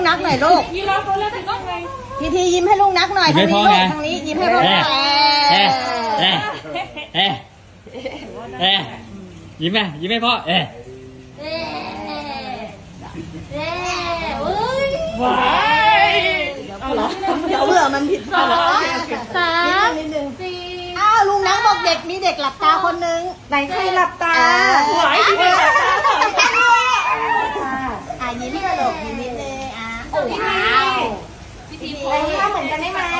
นักหน่อยลูกยิ้มแล้วเขาเล่นถึงต้องไงพีทียิ้มให้ลูกนักหน่อยทางนี้ลูกทางนี้ยิ้มให้พ่อหน่อยยิ้มไหมยิ้มให้พ่อว้ายเดี๋ยวเบื่อมันผิดพลาด 3 นิดนึงอ้าวลุงนักบอกเด็กมีเด็กหลับตาคนนึงไหนใครหลับตาหวายที่เป็นแบบนั้นยิ้มให้ลูกยิ้มนิดนึงโอ้ว้าวพี่ทีโพสท่าเหมือนกันได้ไหม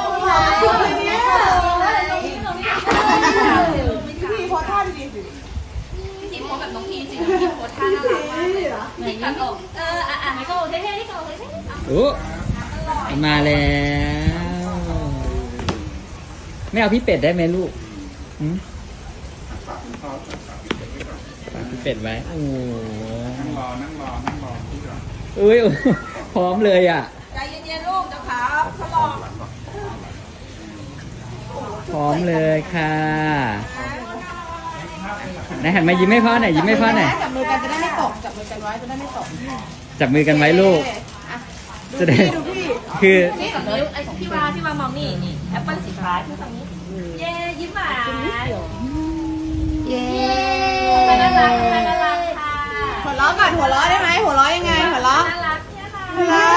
พี่ทีโพสท่าดีสิพี่โพสแบบน้องพีสิพี่โพสท่าน่ารักมากเลยพี่กัดอกให้ก็เท่ๆที่เขาเลยโอ้มาแล้วไม่เอาพี่เป็ดได้ไหมลูกฝากพี่เป็ดไว้โอ้นั่งรออุ้ยพร้อมเลยอ่ะใจเย็นๆลูกจะขาสลองพร้อมเลยค่ะไหนหันมายิ้มให้พ่อหน่อยยิ้มให้พ่อหน่อยจับมือกันจะได้ไม่ตกจับมือกันไว้จะได้ไม่ตกจับมือกันไว้ลูกจะได้คือนี่ฝั่งนี้ไอ้พี่วามองนี่แอปเปิ้ลสีฟ้าที่ฝั่งนี้เย้ยิ้มหวานเย้น่ารักค่ะหัวเราะก่อนหัวเราะได้ไหมหัวเราะยังไงหัวเราะน่ารักเนี่ยค่ะหัวเราะ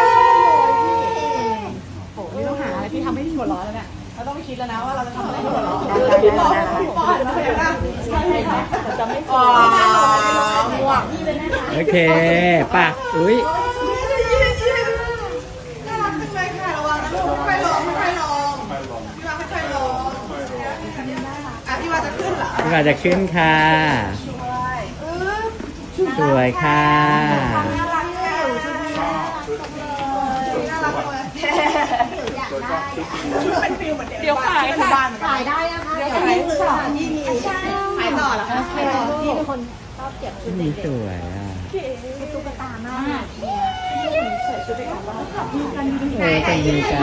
โอ้ไม่ต้องหาอะไรที่ทำให้หัวเราะแล้วเนี่ยเราต้องไปคิดแล้วนะว่าเราจะทำอะไรให้หัวเราะพี่ป้อนนะเห็นป่ะจะไม่พอม่วงโอเคป่ะอุ้ยน่ารักจังเลยค่ะระวังนะลูกค่อยลงค่อยลงพี่ว่าค่อยลงพี่ว่าจะขึ้นเหรอพี่ว่าจะขึ้นค่ะสวยค่ะน่ารักแค่น่ารักเลยเป็นฟิลเหมือนเดี๋ยวขายค่ะขายได้นะคะเดี๋ยวขายต่อที่มีขายต่อเหรอคะขายต่อที่เป็นคนชอบเก็บชุดนี่เด็กสวยอ่ะๆตุ๊กตามากใส่ชุดเด็กๆแล้วขับมีกันจะดีกัน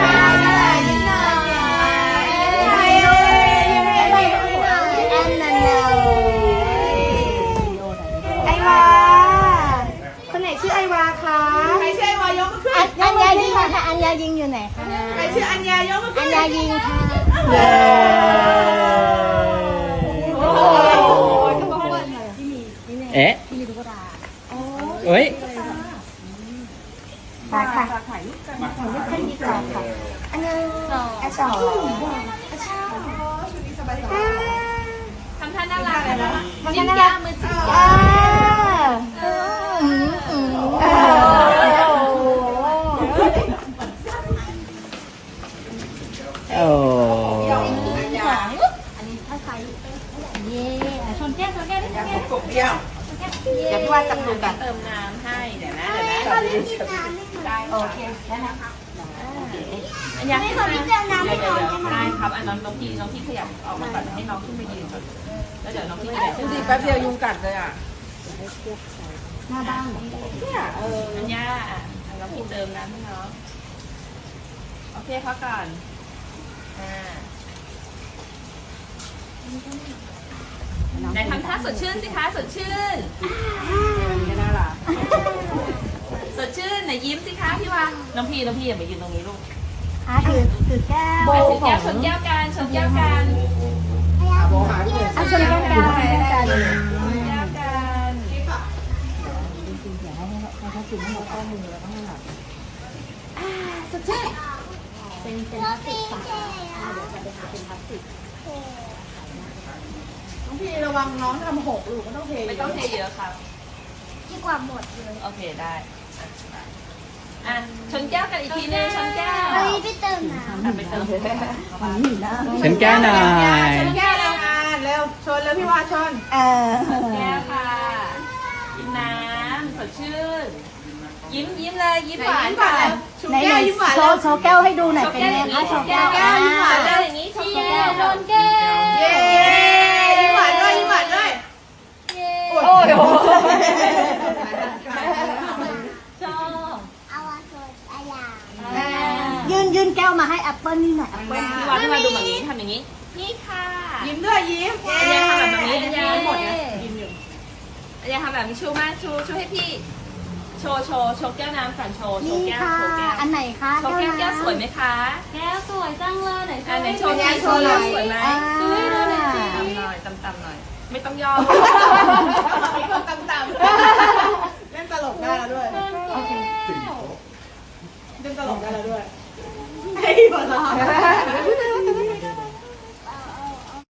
ไอวาคนไหนชื่อไอวาคะใครชื่อไอวายกมือขึ้นอัญญายิงค่ะอัญญายิงอยู่ไหนคะใครชื่ออัญญายกมือขึ้นอัญญายิงค่ะเย้เอ๊ะเอ้ยค่ะค่ะถ่ายรูปกันถ่ายรูปกันดีกว่าค่ะอันนึงอันสองชุดนี้สบายๆทำท่าน่ารักเลยนะจิ้มย่ามือจิ้มย่าโอ้อันนี้ถ้าไซส์เย่ชนแก้วได้ไหมกบเดียวเดี๋ยวพี่ว่าจับดูกันเติมน้ำให้เดี๋ยวนะได้โอเคได้นะคะอันยังให้พี่เติมน้ำให้น้องได้ครับอันน้องพี่ขยับออกมาก่อนให้น้องขึ้นมายืนก่อนแล้วเดี๋ยวน้องพี่ขยับขึ้นแป๊บเดียวยุงกัดเลยอ่ะหน้าบ้านเนี่ยอันย่าน้องพี่เติมน้ำให้น้องโอเคพักก่อนไหนทำท่าสดชื่นสิคะสดชื่นไม่น่ารักสดชื่นไหนยิ้มสิคะพี่วางน้องพี่อย่ามายืนตรงนี้ลูกถือแก้วถือแก้วชนแก้วกันชนแก้วกันชนแก้วกันแก้วกันสดชื่นเป็นพลาสติกค่ะเดี๋ยวจะไปหาเป็นพลาสติกน้องพี่ระวังน้องทำหกลูกก็ต้องเทไม่ต้องเทเยอะครับดีกว่าหมดเลยโอเคได้ชนแก้วกันอีกทีนึงชนแก้วพี่เติมน้ำไปเติมฉันแก้หน่อยชนแก้วแล้วเร็วชนแล้วพี่ว่าชนแก้วค่ะกินน้ำสดชื่นยิ้มเลยยิ้มหวานค่ะไหนยิ้มหวานโชว์แก้วให้ดูหน่อยเป็นไงคะโชว์แก้วยิ้มหวานเลยอย่างนี้โชว์แก้วโดนแก้วเย้ยิ้มหวานด้วยยิ้มหวานด้วยโอ้ยชอบเอาโซดายื่นแก้วมาให้แอปเปิ้ลนี่หน่อยแอปเปิ้ลพี่วานที่มาดูแบบนี้ทำอย่างนี้นี่ค่ะยิ้มด้วยยิ้มอันยาทำแบบนี้อันยาหมดนะยิ้มอยู่อันยาทำแบบนี้ชูมากชูให้พี่โชว์แก้วน้ำก่อนโชว์นี่แก้วค่ะโชว์แก้วอันไหนคะโชว์แก้วสวยไหมคะแก้วสวยจังเลยไหนอันไหนโชว์แก้แก้ววโชว์เลยสวยไหมต่ำต่ำหน่อยต่ำหน่อย ไม่ต้องย่อมีคนต่ำเล่นตลกได้แล้วด้วยเล่นตลกได้แล้วด้วยไอ้หัวเราะ